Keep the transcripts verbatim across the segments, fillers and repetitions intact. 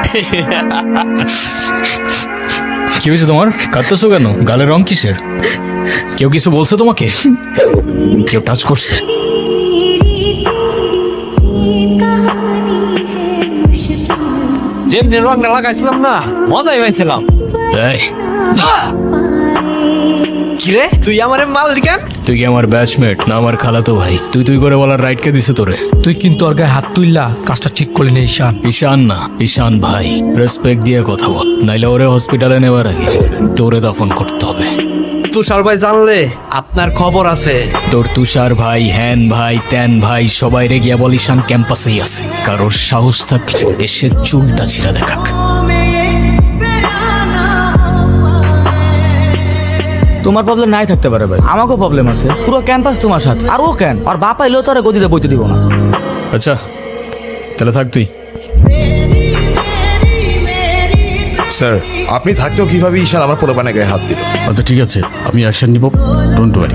কি হয়েছে তোমার? কাঁদতেছো কেন? গালের রং কিসের? কেউ কিছু বলছে তোমাকে? কেউ টাচ করছে? যেমনি রংটা লাগাইছিলাম না, মজাই পাইছিলাম। এই, কিরে তুই আমার মালিকান? তুই কি আমার ব্যাচমেট না আমার খালাতো ভাই? তুই তুই করে বলার রাইট কে দিছে তোরে? তুই কিন্তু ওর গায়ে হাত তুললা, কাজটা ঠিক করলি না ঈশান। ঈশান না, ঈশান ভাই। রেসপেক্ট দিয়ে কথা বল, নাইলে ওরে হসপিটালে নেওয়ার আগে তোরে দফন করতে হবে। তুষার ভাই জানলে আপনার খবর আছে। তোর তুষার ভাই, হ্যান ভাই, ত্যান ভাই, সবাই রে গিয়া বল ঈশান ক্যাম্পাসেই আছে। কারোর সাহস থাকলে এসে চুলটা ছিঁড়া দেখাক। তোমার প্রবলেম নাই থাকতে পারে ভাই, আমাকেও প্রবলেম আছে। পুরো ক্যাম্পাস তোমার সাথে, আর ও কেন? আর বাপ আইলেও তো আর গদিতে বইতে দিব না। আচ্ছা তাহলে থাক তুই। স্যার, আপনি থাকতেও কিভাবে ঈশান আমার পোলাপানে গায়ে হাত দিল? আচ্ছা ঠিক আছে, আমি অ্যাকশন নিব, ডোন্ট ওয়ারি।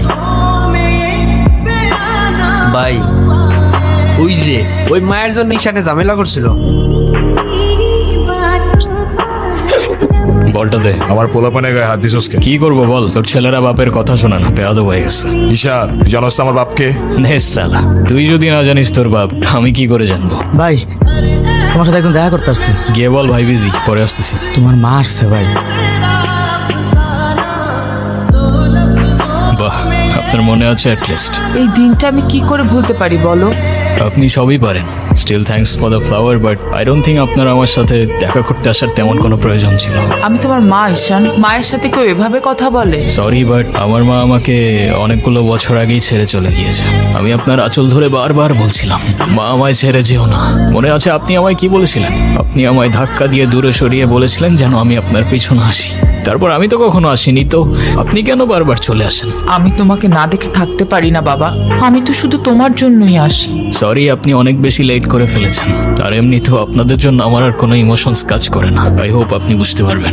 ভাই ওই যে ওই মায়ের জন্য ঈশানে ঝামেলা করছিল। বলটা দে। আমার পোলাপানে গায়ে হাত দিছস কেন? কি করবো বল? তোর ছেলেরা বাপের কথা শোনা না, বেয়াদব হয়ে গেছে। ঈশান, তুই জানোস তো আমার বাপকে? নে সালা, তুই যদি না জানিস তোর বাপ, আমি কি করে জানবো? ভাই তোমার সাথে একজন দেখা করতে আসছে। গিয়ে বল ভাই বিজি, পরে আসতেছি। তোমার মা আসছে ভাই। বাহ, আপনার মনে আছে অ্যাটলিস্ট। এই দিনটা আমি কি করে ভুলতে পারি বলো? আপনি সবই পারেন। Still thanks for the flower, but I don't think আপনার আমার সাথে দেখা করতে আসার তেমন কোনো প্রয়োজন ছিল। আমি তোমার মা ঈশান, মায়ের সাথে কেউ এভাবে কথা বলে? সরি, বাট আমার মা আমাকে অনেকগুলো বছর আগেই ছেড়ে চলে গিয়েছে। আমি আপনার আঁচল ধরে বারবার বলছিলাম, মা আমায় ছেড়ে যেও না। মনে আছে আপনি আমায় কি বলেছিলেন? আপনি আমায় ধাক্কা দিয়ে দূরে সরিয়ে বলেছিলেন যেন আমি আপনার পিছনে আসি। তারপর আমি তো কখনো আসিনি, তো আপনি কেন বারবার চলে আসেন? আমি তোমাকে না দেখে থাকতে পারি না বাবা, আমি তো শুধু তোমার জন্যই আসি। সরি, আপনি অনেক বেশি লেট করে ফেলেছেন। আর এমনিতেও আপনাদের জন্য আমার আর কোনো ইমোশনস কাজ করে না। আই হোপ আপনি বুঝতে পারবেন।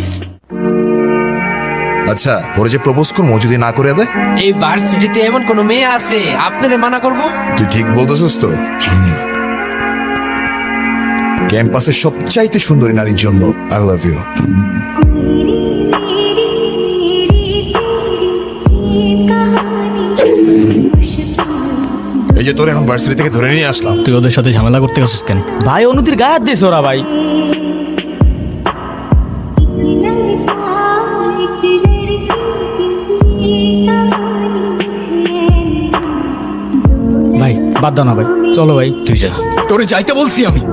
আচ্ছা, ওরে যে প্রপোজ করবো যদি না করে দেয়? এই ভার্সিটিতে এমন কোন মেয়ে আছে আপনারে মানা করব? তুই ঠিক বলতেছিস তো? ক্যাম্পাসের সবচাইতে সুন্দরী নারীর জন্য আই লাভ ইউ। এই যে তোর এখন ভার্সিটি থেকে ধরে নিয়ে আসলাম, তুই ওদের সাথে ঝামেলা করতে গেছিস কেন? ভাই অনুতির গায়ে হাত দিয়েছে ওরা ভাই। ভাই বাদ দাও না ভাই, চলো ভাই। তুই যা, তোরে যাইতে বলছি আমি।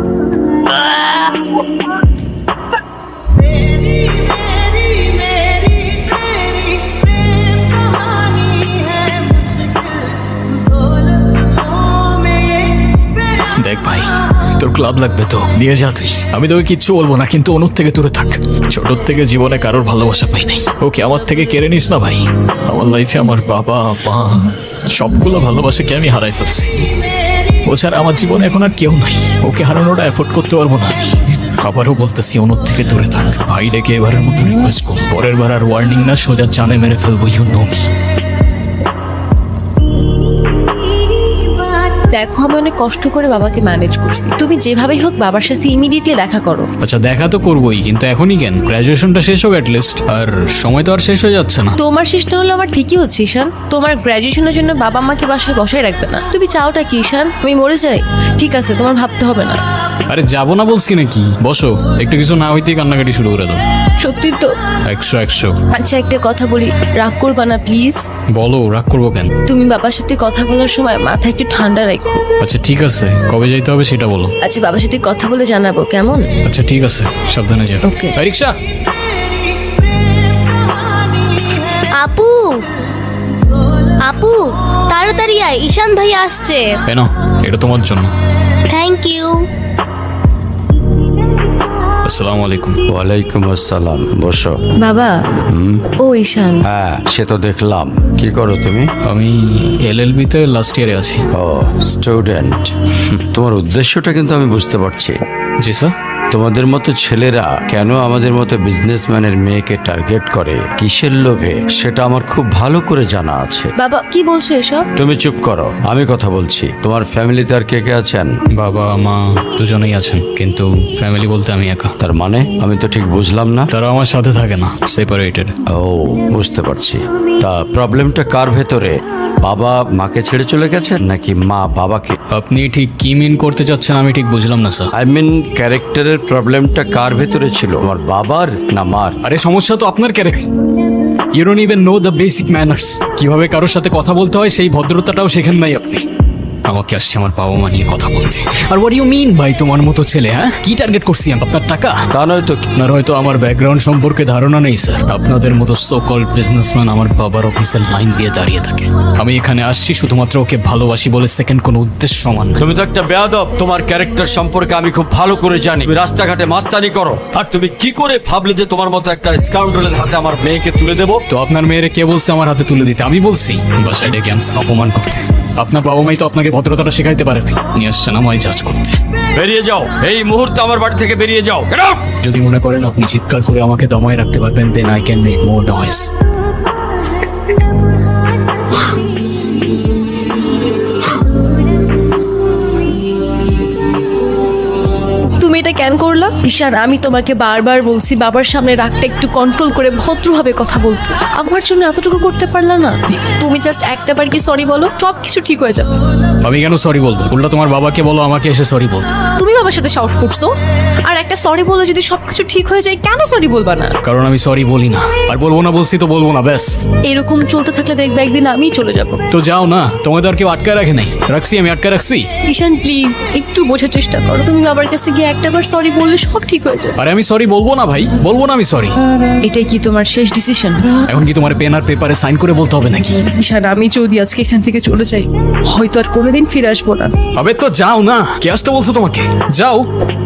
দেখ ভাই, তোর ক্লাব লাগবে তো নিয়ে যা তুই। আমি তোকে কিচ্ছু বলবো না, কিন্তু অনুর থেকে দূরে থাক। ছোটোর থেকে জীবনে কারোর ভালোবাসা পাই নাই, ওকে আমার থেকে কেড়ে নিস না ভাই। আমার লাইফে আমার বাবা মা সবগুলো ভালোবাসাকে আমি হারাই ফেলছি। ও ছাড়া আমার জীবনে এখন আর কেউ নাই। ওকে হারানোটা এফোর্ড করতে পারবো না আমি। আবারও বলতেছি, অনুর থেকে দূরে থাক ভাই। ডেকে এবারের মতো রিকোয়েস্ট কর, পরের বার আর ওয়ার্নিং না, সোজা চানে মেরে ফেলবো। You know me. দেখো আমি অনেক কষ্ট করে বাবাকে ম্যানেজ করছি, তুমি যেভাবেই হোক বাবার সাথে ইমিডিয়েটলি দেখা করো। আচ্ছা দেখা তো করবোই, কিন্তু এখনই কেন? গ্র্যাজুয়েশনটা শেষ হোক অ্যাটলিস্ট। আর সময় তো আর শেষ হয়ে যাচ্ছে না। তোমার শেষ না হলো আমার ঠিকই হচ্ছে ঈশান। তোমার গ্র্যাজুয়েশনের জন্য বাবা মাকে বাসায় বসায় রাখবে না। তুমি চাওটা কি ঈশান? আমি মরে যাই? ঠিক আছে, তোমার ভাবতে হবে না। আরে যাবো না বলছি নাকি? বসো, একটু কিছু না হইতেই কান্নাকাটি শুরু করে দাও। সত্যি তো? একশো একশো। আচ্ছা একটা কথা বলি, রাগ করবা না প্লিজ? বলো, রাগ করবো কেন? তুমি বাবার সাথে কথা বলার সময় মাথা একটু ঠান্ডা রাখো। আচ্ছা ঠিক আছে, কবে যাইতে হবে সেটা বলো। আচ্ছা বাবার সাথে কথা বলে জানাবো, কেমন? আচ্ছা ঠিক আছে, সাবধানে যাও। ওকে। এই রিক্সা। আপু আপু তাড়াতাড়ি আয়, ঈশান ভাই আসছে। কেন? এটা তোমার জন্য। Thank you. আসসালামু আলাইকুম। ওয়ালাইকুম আসসালাম, বসো। বাবা, ও ঈশান। হ্যাঁ সে তো দেখলাম। কি করো তুমি? আমি এলএলবি তে লাস্ট ইয়ারে আছি। ও স্টুডেন্ট। তোমার উদ্দেশ্যটা কিন্তু আমি বুঝতে পারছি। জি স্যার। তোমাদের মতো ছেলেরা কেন আমাদের মতো বিজনেসম্যানের মেয়েকে টার্গেট করে কিসের লোভে সেটা আমার খুব ভালো করে জানা আছে। বাবা কি বলছো এসব? তুমি চুপ করো, আমি কথা বলছি। তোমার ফ্যামিলিতে আর কে কে আছেন? বাবা মা দুজনেই আছেন, কিন্তু ফ্যামিলি বলতে আমি একা। তার মানে আমি তো ঠিক বুঝলাম না। তারা আমার সাথে থাকে না, সেপারেটেড। ও, বুঝতে পারছি। তা প্রবলেমটা কার ভেতরে? বাবা মাকে ছেড়ে চলে গেছে নাকি মা বাবাকে? আপনি ঠিক কি মিন করতে চাচ্ছেন আমি ঠিক বুঝলাম না স্যার। আই মিন ক্যারেক্টারের প্রবলেমটা কার ভেতরে ছিল, আমার বাবার না মার? আরে সমস্যা তো আপনার character. You don't even know the basic manners. কিভাবে কারোর সাথে কথা বলতে হয় সেই ভদ্রতাটাও শেখেন নাই আপনি। আমাকে আসছে আমার বাবা মা নিয়ে কথা বলতে। আর হোয়াট ইউ মিন ভাই তোমার মতো ছেলে? হ্যাঁ, কি টার্গেট করছি আমি? আপনার টাকা? তা নয় তো কি? আপনার হয়তো আমার ব্যাকগ্রাউন্ড সম্পর্কে ধারণা নেই স্যার। আপনাদের মতো সো কল্ড বিজনেসম্যান আমার বাবার অফিসের লাইন দিয়ে দাঁড়িয়ে থাকে। আমি এখানে আসছি শুধুমাত্র ওকে ভালোবাসি বলে, সেকেন্ড কোনো উদ্দেশ্য সমান না। তুমি তো একটা বেয়াদব। তোমার ক্যারেক্টার সম্পর্কে আমি খুব ভালো করে জানি। তুমি রাস্তাঘাটে মাস্তানি করো, আর তুমি কি করে ভাবলে যে তোমার মতো একটা স্কাউন্ডারের হাতে আমার মেয়েকে তুলে দেবো? তো আপনার মেয়েরে কে বলছে আমার হাতে তুলে দিতে? আমি বলছি বাসায় ডেকে আনছেন অপমান করতে। আপনার বাবা মাই তো আপনাকে ভদ্রতাটা শেখাইতে পারেনি, নিয়ে আসছেন আমায় জাজ করতে। বেরিয়ে যাও এই মুহূর্তে, আমার বাড়ি থেকে বেরিয়ে যাও। Get out! যদি মনে করেন আপনি চিৎকার করে আমাকে দমায় রাখতে পারবেন, then I can make more noise. তুমি এটা কেন করলা? ঈশান, আমি তোমাকে বারবার বলছি বাবার সামনে রাগটা একটু কন্ট্রোল করে ভদ্রভাবে কথা বলতে। আমার জন্য এতটুকু করতে পারলা না? তুমি জাস্ট একটা বার কি সরি বলো, সব কিছু ঠিক হয়ে যাবে। আমি কেন সরি বলবো? উল্টা তোমার বাবাকে বলো আমাকে এসে সরি বল। তুমি বাবার সাথে শাউট করছো, আর একটা সরি বলে যদি সবকিছু ঠিক হয়ে যায়, কেন সরি বলবা না? কারণ আমি সরি বলি না, আর বলবো না বলছি তো বলবো না, ব্যাস। এরকম চলতে থাকলে দেখবে একদিন আমিই চলে যাব। তো যাও না, তোমাদের আর কেউ আটকে রাখে নাই। রাখছি আমি, আটকে রাখছি? ঈশান প্লিজ একটু বোঝার চেষ্টা করো। তুমি বাবার কাছে গিয়ে একটা বার সরি বললে সব ঠিক হয়ে যাবে। আরে আমি সরি বলবো না ভাই, বলবো না আমি সরি। এটাই কি তোমার শেষ ডিসিশন? এখন কি তোমার পেন আর পেপারে সাইন করে বলতে হবে নাকি? ঈশান, আমি যদি আজকে এখান থেকে চলে যাই, হয়তো আর কোনোদিন ফিরে আসবো না। আবে তো যাও না, কে আসতে বলছো তোমাকে? যাও।